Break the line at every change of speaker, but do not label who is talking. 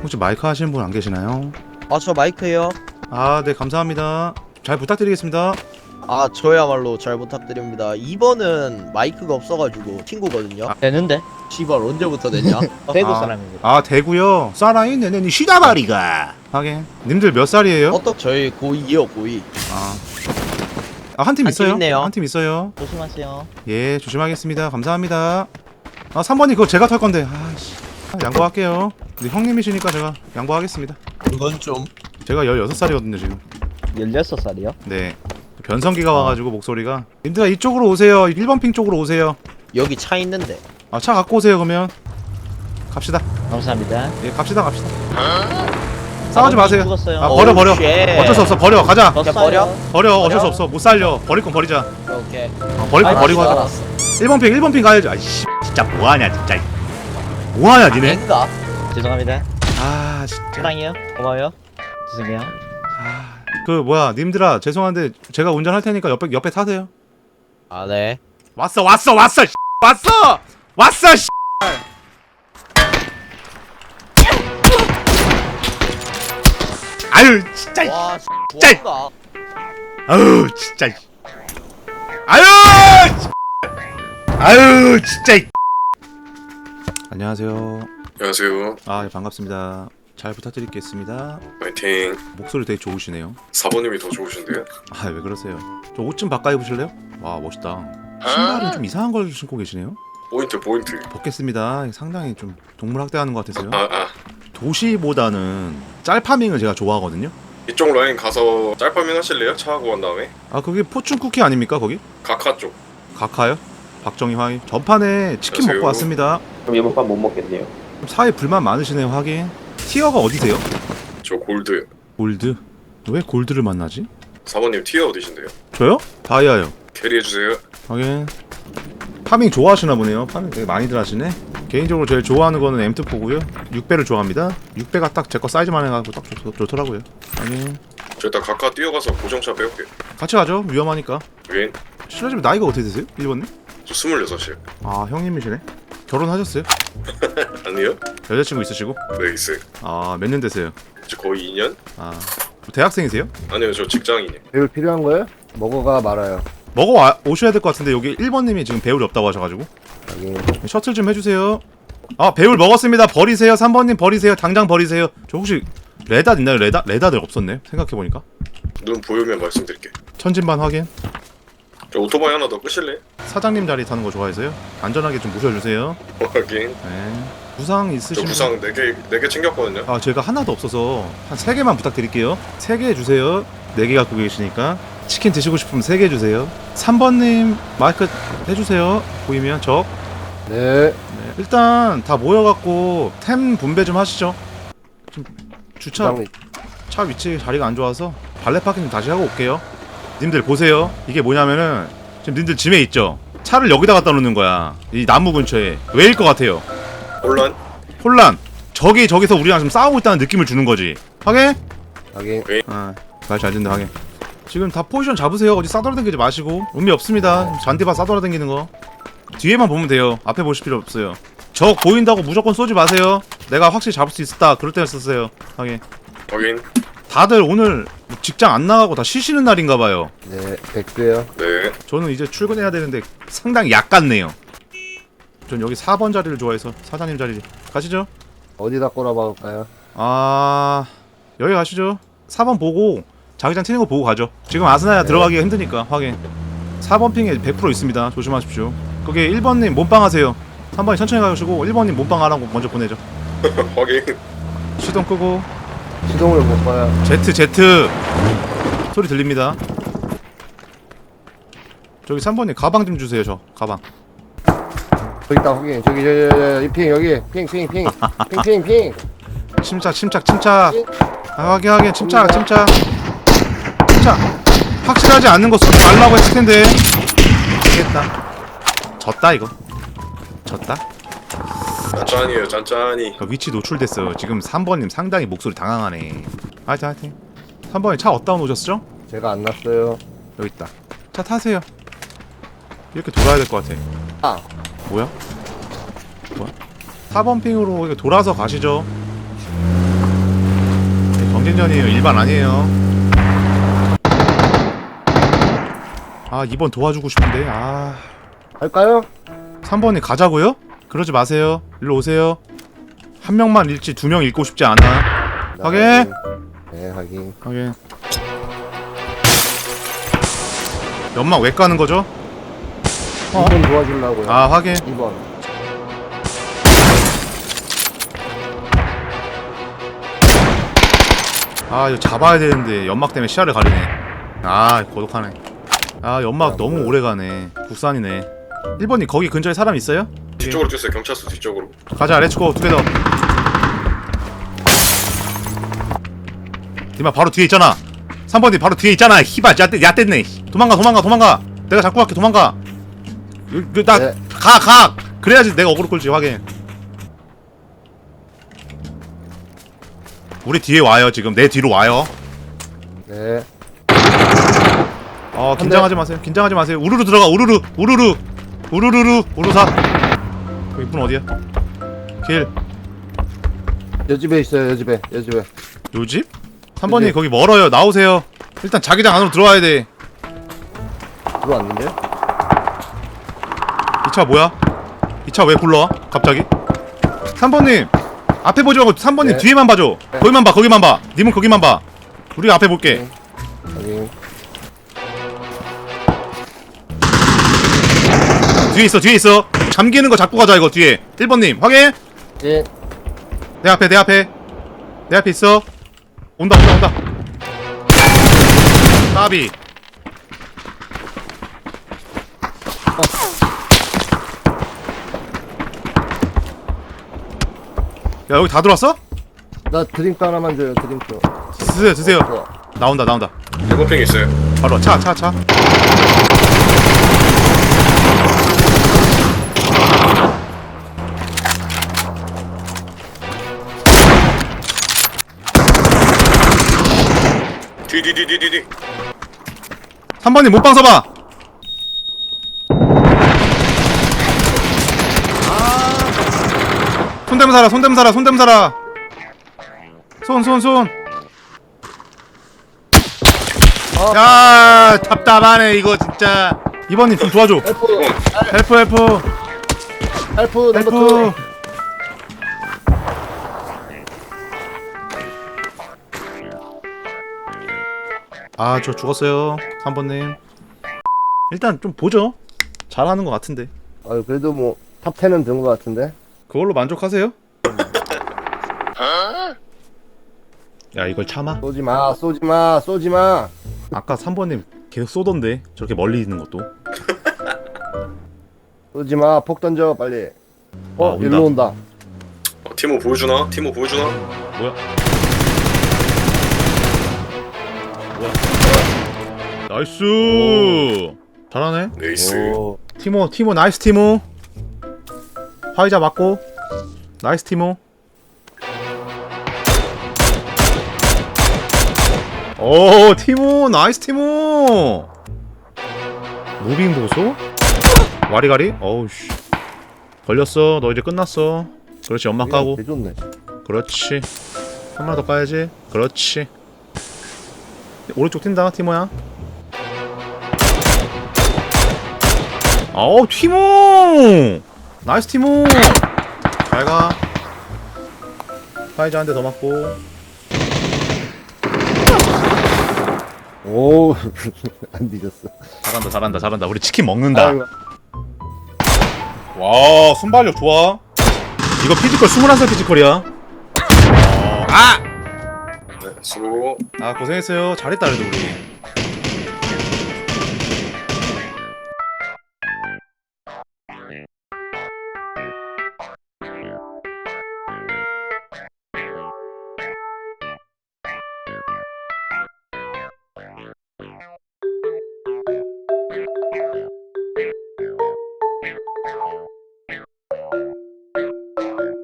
혹시 마이크 하시는 분 안 계시나요?
아, 저 마이크예요.
아, 네, 감사합니다. 잘 부탁드리겠습니다.
아, 저야말로 잘 부탁드립니다. 2번은 마이크가 없어가지고 친구거든요.
아.
되는데?
씨발 언제부터 됐냐?
대구
아.
사람입니다.
아, 대구요? 쏴라인 내내니 시다바리가. 하긴. 님들 몇 살이에요?
저희 고2이요, 고2.
한 팀
한팀
있어요?
있네요.
한 팀 있어요.
조심하세요.
예, 조심하겠습니다. 감사합니다. 아, 3번이 그거 제가 털 건데. 아씨. 양보할게요. 근데 형님이시니까 제가 양보하겠습니다.
그건 좀.
제가 16살이거든요, 지금.
16살이요?
네. 변성기가 와가지고 목소리가. 님들아, 이쪽으로 오세요. 1번 핑 쪽으로 오세요.
여기 차 있는데.
아, 차 갖고 오세요, 그러면. 갑시다.
감사합니다.
예, 갑시다. 싸우지 마세요.
죽었어요.
아, 버려.
오우, 쉣.
어쩔 수 없어. 버려. 가자.
졌어요.
버려?
버려. 어쩔
버려?
수 없어. 못 살려. 버릴 건 버리자.
오케이.
버릴 건
아이,
버리고 하자.
알았어.
1번 핑 가야지. 아이씨. 진짜 뭐하냐, 진짜. 뭐하냐, 니네.
아닌가?
죄송합니다.
아, 진짜.
사랑해요. 고마워요. 죄송해요.
아, 그 뭐야, 님들아. 죄송한데 제가 운전할 테니까 옆에 타세요.
아, 네.
왔어. 씨. 아유, 진짜.
와,
짤.
좋아한다.
아유, 진짜. 아유, 아유, 진짜. 안녕하세요.
안녕하세요.
아, 예, 반갑습니다. 잘 부탁드리겠습니다.
화이팅.
목소리 되게 좋으시네요.
4번님이 더 좋으신데요?
아, 왜 그러세요? 저 옷 좀 바꿔 입으실래요? 와, 멋있다. 신발은 좀 이상한 걸 신고 계시네요.
포인트.
벗겠습니다. 상당히 좀 동물 학대하는 것 같아서요.
아.
도시보다는 짤파밍을 제가 좋아하거든요.
이쪽 라인 가서 짤파밍 하실래요? 차하고 간 다음에?
아, 그게 포춘 쿠키 아닙니까, 거기?
가카 쪽.
각하요? 박정희 화이. 전판에 치킨
안녕하세요.
먹고 왔습니다.
그럼 이번 판 못 먹겠네요.
좀 사회 불만 많으시네요, 하긴. 티어가 어디세요?
저 골드.
골드. 왜 골드를 만나지?
4번님 티어 어디신데요?
저요? 다이아요.
캐리해주세요.
하긴. 파밍 좋아하시나 보네요. 파밍 되게 많이들 하시네. 개인적으로 제일 좋아하는 거는 M2포고요. 6배를 좋아합니다. 6배가 딱 제 거 사이즈만 해가지고 딱 좋더라고요. 하긴.
저 일단 가카 뛰어가서 고정차 빼올게요.
같이 가죠. 위험하니까.
윈.
실례지만 나이가 어떻게 되세요? 1번님?
저 26이요.
아, 형님이시네. 결혼하셨어요?
아니요?
여자친구 있으시고?
네, 있어요.
아, 몇 년 되세요?
저 거의 2년?
아, 대학생이세요?
아니요, 저 직장인이에요.
배울 필요한 거예요? 먹어가 말아요.
오셔야 될 것 같은데 여기 1번님이 지금 배울이 없다고 하셔가지고
여기
셔틀 좀 해주세요. 아, 배울 먹었습니다. 버리세요. 3번님 버리세요. 당장 버리세요. 저 혹시 레닷 있나요? 레닷을 없었네. 생각해보니까.
눈 보이면 말씀드릴게요.
천진반 확인.
저 오토바이 하나 더 끄실래요?
사장님 자리 타는 거 좋아해서요. 안전하게 좀 모셔주세요.
확인.
네. 구상
저
있으시면
구상 4개 챙겼거든요.
아, 제가 하나도 없어서 한 3개만 부탁드릴게요. 3개 해주세요. 4개 갖고 계시니까 치킨 드시고 싶으면 3개 해주세요. 3번님 마이크 해주세요. 보이면 적.
네.
네, 일단 다 모여갖고 템 분배 좀 하시죠. 좀 주차 차 위치 자리가 안 좋아서 발레 파킹 다시 하고 올게요. 님들 보세요. 이게 뭐냐면은 지금 님들 짐에 있죠. 차를 여기다 갖다 놓는 거야. 이 나무 근처에. 왜일 것 같아요?
혼란.
혼란. 저기서 우리랑 지금 싸우고 있다는 느낌을 주는 거지. 하게?
확인.
아, 말 잘 듣는다 하게. 지금 다 포지션 잡으세요. 어디 싸돌아다니지 마시고. 의미 없습니다. 잔디밭 싸돌아다니는 거. 뒤에만 보면 돼요. 앞에 보실 필요 없어요. 적 보인다고 무조건 쏘지 마세요. 내가 확실히 잡을 수 있었다. 그럴 때는 썼어요. 하게.
확인.
다들 오늘 직장 안 나가고 다 쉬시는 날인가 봐요.
네. 백두요.
네.
저는 이제 출근해야 되는데 상당히 약같네요. 전 여기 4번 자리를 좋아해서 사장님 자리 가시죠.
어디다 꼬라박을까요?
아, 여기 가시죠. 4번 보고 자기장 튀는 거 보고 가죠. 지금 아스나야 들어가기가 힘드니까 확인. 4번 핑에 100% 있습니다. 조심하십시오. 거기 1번님 몸빵 하세요. 3번이 천천히 가시고 1번님 몸빵 하라고 먼저 보내죠.
확인.
시동 끄고
시동을 못 봐요.
Z 소리 들립니다. 저기 3번님 가방 좀 주세요. 저 가방.
저기 있다 확인. 저기 이 핑 여기 핑.
침착. 아, 확인. 침착. 확실하지 않는 거 쏘지 말라고 했을 텐데. 되겠다. 졌다 이거. 졌다.
짠짠이에요, 짠짠이.
그 위치 노출됐어요. 지금 3번님 상당히 목소리 당황하네. 하여튼 3번님 차 어디다 놓으셨죠?
제가 안 났어요.
여기 있다. 차 타세요. 이렇게 돌아야 될 것 같아.
아.
뭐야? 4번 핑으로 이렇게 돌아서 가시죠. 경쟁전이에요. 일반 아니에요. 아 2번 도와주고 싶은데. 아
할까요?
3번이 가자고요? 그러지 마세요. 일로 오세요. 한 명만 읽지 2명 읽고 싶지 않아. 확인.
네 확인.
확인. 연막 왜 까는 거죠?
2번 도와주려고요.
아 확인.
2번.
아 이거 잡아야 되는데 연막 때문에 시야를 가리네. 아 고독하네. 아 연막 너무 오래 가네. 국산이네. 1번이 거기 근처에 사람 있어요?
뒤쪽으로 뛰었어요. 경찰서 뒤쪽으로.
가자 렛츠고 2개 더. 디마 바로 뒤에 있잖아. 3번이 바로 뒤에 있잖아. 히바 야땠네. 도망가. 내가 잡고 갈게. 도망가.
네.
가. 그래야지 내가 어그로 끌지. 확인. 우리 뒤에 와요. 지금 내 뒤로 와요.
네.
긴장하지 마세요. 우르르 들어가. 우르르 우르사. 이분 어디야? 길.
여 집에 있어요. 여 집에.
요 집? 3번님
네.
거기 멀어요. 나오세요. 일단 자기장 안으로 들어와야 돼.
들어왔는데?
이 차 뭐야? 이 차 왜 굴러? 갑자기? 3번님 앞에 보지 말고 3번님
네.
뒤에만 봐줘.
네.
거기만 봐. 님은 거기만 봐. 우리가 앞에 볼게.
확인.
뒤에 있어. 잠기는 거 잡고 가자 이거 뒤에. 1번님 확인.
예.
내 앞에 있어. 온다. 까비. 야 여기 다 들어왔어?
나 드링크 하나만 줘요. 드링크.
드세요. 나온다.
대고팽 있어요.
바로 차.
뒤.
3번님 못방 서봐. 손대면 살아. 손. 야 답답하네 이거 진짜. 2번님 좀 도와줘.
헬프 넘버 2.
아 저 죽었어요 3번님. 일단 좀 보죠. 잘하는 것 같은데
아유 그래도 뭐 탑 10은 든 것 같은데.
그걸로 만족하세요? 야 이걸 참아?
쏘지 마.
아까 3번님 계속 쏘던데 저렇게 멀리 있는 것도.
쏘지 마. 폭 던져 빨리.
온다.
일로 온다.
티모 보여주나?
뭐야? 나이스. 잘하네.
네이스.
오.
티모 나이스 티모. 화이자 맞고 나이스 티모. 오 티모 나이스 티모. 무빙 보소? 와리가리? 어우씨 걸렸어. 너 이제 끝났어. 그렇지 연막 까고.
개좋네.
그렇지. 한 번 더 까야지. 그렇지. 오른쪽 튄다 티모야. 아우 티모 나이스 티모. 잘가. 파이자 한 대 더 맞고.
오. 안 뒤졌어.
잘한다. 우리 치킨 먹는다.
아이고.
와 순발력 좋아. 이거 피지컬 21살 피지컬이야.
네, 수고.
아 고생했어요. 잘했다 그래도 우리.